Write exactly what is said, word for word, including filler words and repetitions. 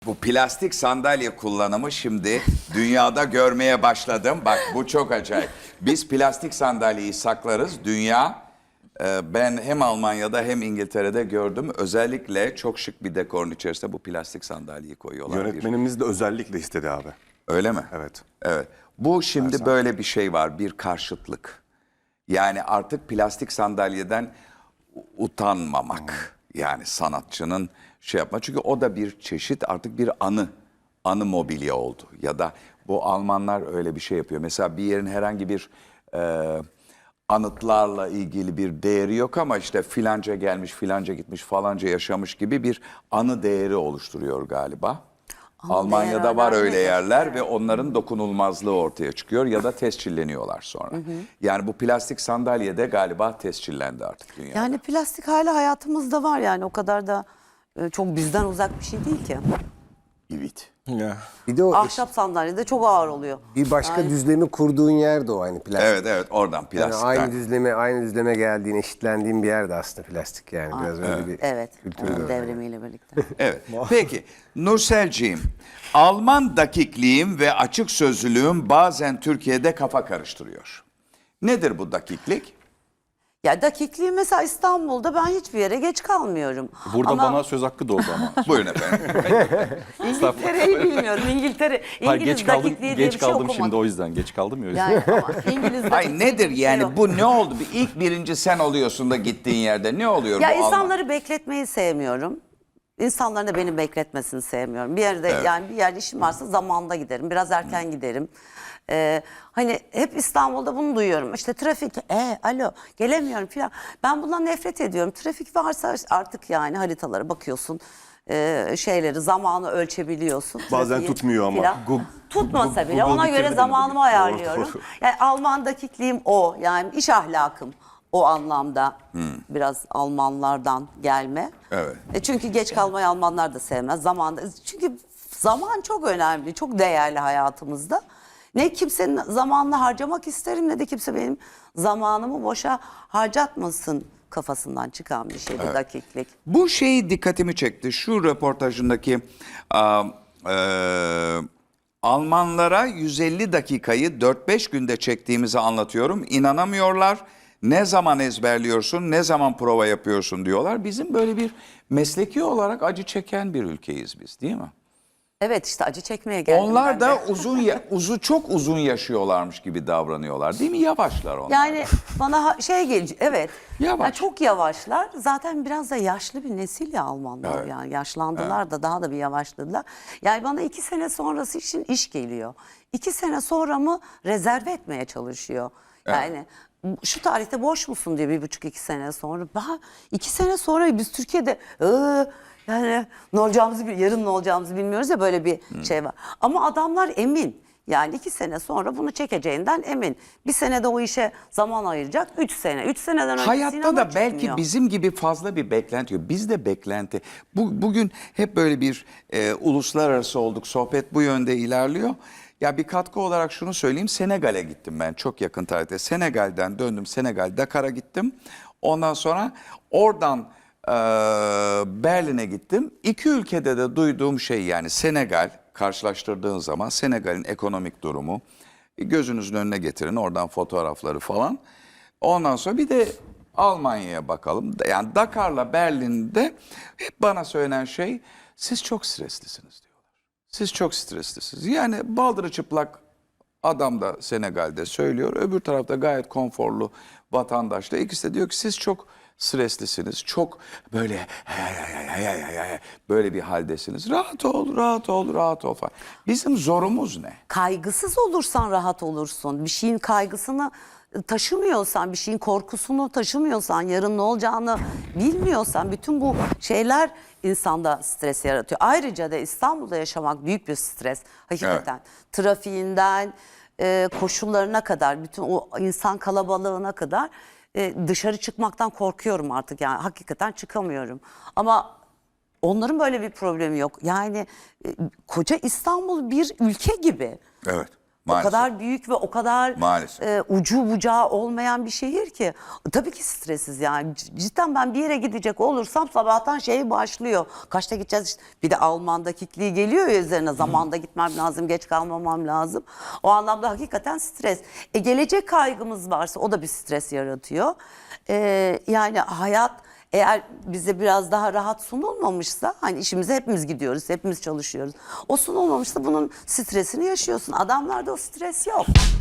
Bu plastik sandalye kullanımı şimdi dünyada görmeye başladım. Bak bu çok acayip. Biz plastik sandalyeyi saklarız. Dünya, e, ben hem Almanya'da hem İngiltere'de gördüm. Özellikle çok şık bir dekorun içerisinde bu plastik sandalyeyi koyuyorlar. Yönetmenimiz de özellikle istedi abi. Öyle mi? Evet. Evet. Bu şimdi Her böyle bir şey var, bir karşıtlık. Yani artık plastik sandalyeden utanmamak. Yani sanatçının şey yapma. Çünkü o da bir çeşit artık bir anı, anı mobilya oldu. Ya da bu Almanlar öyle bir şey yapıyor. Mesela bir yerin herhangi bir e, anıtlarla ilgili bir değeri yok ama işte filanca gelmiş, filanca gitmiş, falanca yaşamış gibi bir anı değeri oluşturuyor galiba. Anı Almanya'da değer var öyle önemlidir. yerler Evet. ve onların dokunulmazlığı ortaya çıkıyor ya da tescilleniyorlar sonra. Yani bu plastik sandalye de galiba tescillendi artık dünyada. Yani plastik hala hayatımızda var, yani o kadar da e, çok bizden uzak bir şey değil ki. Evet. Ya. Bir de o Ahşap sandalye de çok ağır oluyor. bir başka düzlemi kurduğun yer de o aynı plastik. Evet evet oradan Yani plastikten. aynı düzleme aynı düzleme geldiğin, eşitlendiğin bir yer de aslında plastik yani biraz öyle bir Evet, kültürü onun de var. devrimiyle birlikte. Evet. Peki Nurselciğim, Alman dakikliğim ve açık sözlülüğüm bazen Türkiye'de kafa karıştırıyor. Nedir bu dakiklik? Ya dakikliği mesela İstanbul'da ben hiçbir yere geç kalmıyorum. Burada Ama bana söz hakkı doğdu ama. Buyurun efendim. İngiltere'yi bilmiyorum. İngiltere, Hayır, İngiliz geç kaldım, dakikliği diye geç bir şey kaldım okumadım. şimdi o yüzden. Geç kaldım ya o yüzden. Yani ama İngiliz Ay dakikliği nedir diye bir şey yok. yani bu ne oldu? Bir ilk birinci sen oluyorsun da gittiğin yerde ne oluyor Ya bu Alman? insanları bekletmeyi sevmiyorum. İnsanların da beni bekletmesini sevmiyorum. Bir yerde Evet. yani bir yerde işim varsa zamanında giderim. Biraz erken giderim. Ee, hani hep İstanbul'da bunu duyuyorum. İşte trafik, e, alo gelemiyorum falan. Ben bundan nefret ediyorum. Trafik varsa artık yani haritalara bakıyorsun. e, şeyleri, zamanı ölçebiliyorsun. Bazen trafiği tutmuyor ama. filan. Gu- Tutmasa Gu- bile Google ona bitirdi göre beni zamanımı bugün. ayarlıyorum. Doğru, doğru. Yani Alman dakikliğim o. Yani iş ahlakım o anlamda biraz Almanlardan gelme. Evet. E çünkü geç kalmayı Almanlar da sevmez. Zamanda, çünkü zaman çok önemli, çok değerli hayatımızda. Ne kimsenin zamanını harcamak isterim ne de kimse benim zamanımı boşa harcatmasın kafasından çıkan bir şeydi dakiklik. Bu şey dikkatimi çekti. Şu röportajındaki a, e, Almanlara yüz elli dakikayı dört beş günde çektiğimizi anlatıyorum. İnanamıyorlar. Ne zaman ezberliyorsun, ne zaman prova yapıyorsun diyorlar. Bizim böyle bir mesleki olarak acı çeken bir ülkeyiz biz, değil mi? Evet, işte acı çekmeye geldim Onlar ben da de. uzun ya- uzu çok uzun yaşıyorlarmış gibi davranıyorlar, değil mi? Yavaşlar onlar. Yani bana ha- şey gelecek, evet. Yavaş. Yani çok yavaşlar. Zaten biraz da yaşlı bir nesil ya Almanlar. Evet. Yani yaşlandılar da daha da bir yavaşladılar. Yani bana iki sene sonrası için iş geliyor. İki sene sonra mı rezerve etmeye çalışıyor. Yani şu tarihte boş musun diye bir buçuk iki sene sonra. Daha iki sene sonra biz Türkiye'de ıı, yani ne olacağımızı, bil- yarın ne olacağımızı bilmiyoruz ya, böyle bir şey var. Ama adamlar emin. Yani iki sene sonra bunu çekeceğinden emin. Bir senede o işe zaman ayıracak. Üç sene. Üç seneden önce Hayatta sinema da belki çıkmıyor. bizim gibi fazla bir beklenti yok. Bizde beklenti. Bu, bugün hep böyle bir e, uluslararası olduk. Sohbet bu yönde ilerliyor. Ya bir katkı olarak şunu söyleyeyim. Senegal'e gittim ben çok yakın tarihte. Senegal'den döndüm. Senegal, Dakar'a gittim. Ondan sonra oradan e, Berlin'e gittim. İki ülkede de duyduğum şey, yani Senegal karşılaştırdığın zaman Senegal'in ekonomik durumu, gözünüzün önüne getirin oradan fotoğrafları falan. Ondan sonra bir de Almanya'ya bakalım. Yani Dakar'la Berlin'de hep bana söylenen şey, siz çok streslisiniz diyorlar. Siz çok streslisiniz. Yani baldırı çıplak adam da Senegal'de söylüyor. Öbür tarafta gayet konforlu vatandaş da, ikisi de diyor ki siz çok streslisiniz. Çok böyle böyle bir haldesiniz. Rahat ol, rahat ol, rahat ol falan. Bizim zorumuz ne? Kaygısız olursan rahat olursun. Bir şeyin kaygısını taşımıyorsan, bir şeyin korkusunu taşımıyorsan, yarın ne olacağını bilmiyorsan, bütün bu şeyler insanda stres yaratıyor. Ayrıca da İstanbul'da yaşamak büyük bir stres. Hakikaten. Trafiğinden, e, koşullarına kadar, bütün o insan kalabalığına kadar e, dışarı çıkmaktan korkuyorum artık. Yani hakikaten çıkamıyorum. Ama onların böyle bir problemi yok. Yani e, koca İstanbul bir ülke gibi. Evet. Maalesef. O kadar büyük ve o kadar Maalesef. e, ucu bucağı olmayan bir şehir ki. Tabii ki stresiz yani. C- Cidden ben bir yere gidecek olursam sabahtan şey başlıyor. Kaçta gideceğiz işte. Bir de Alman dakikliği geliyor ya üzerine. Zamanda gitmem lazım, geç kalmamam lazım. O anlamda hakikaten stres. E, gelecek kaygımız varsa o da bir stres yaratıyor. E, yani hayat eğer bize biraz daha rahat sunulmamışsa, hani işimize hepimiz gidiyoruz, hepimiz çalışıyoruz. O sunulmamışsa bunun stresini yaşıyorsun. Adamlarda o stres yok.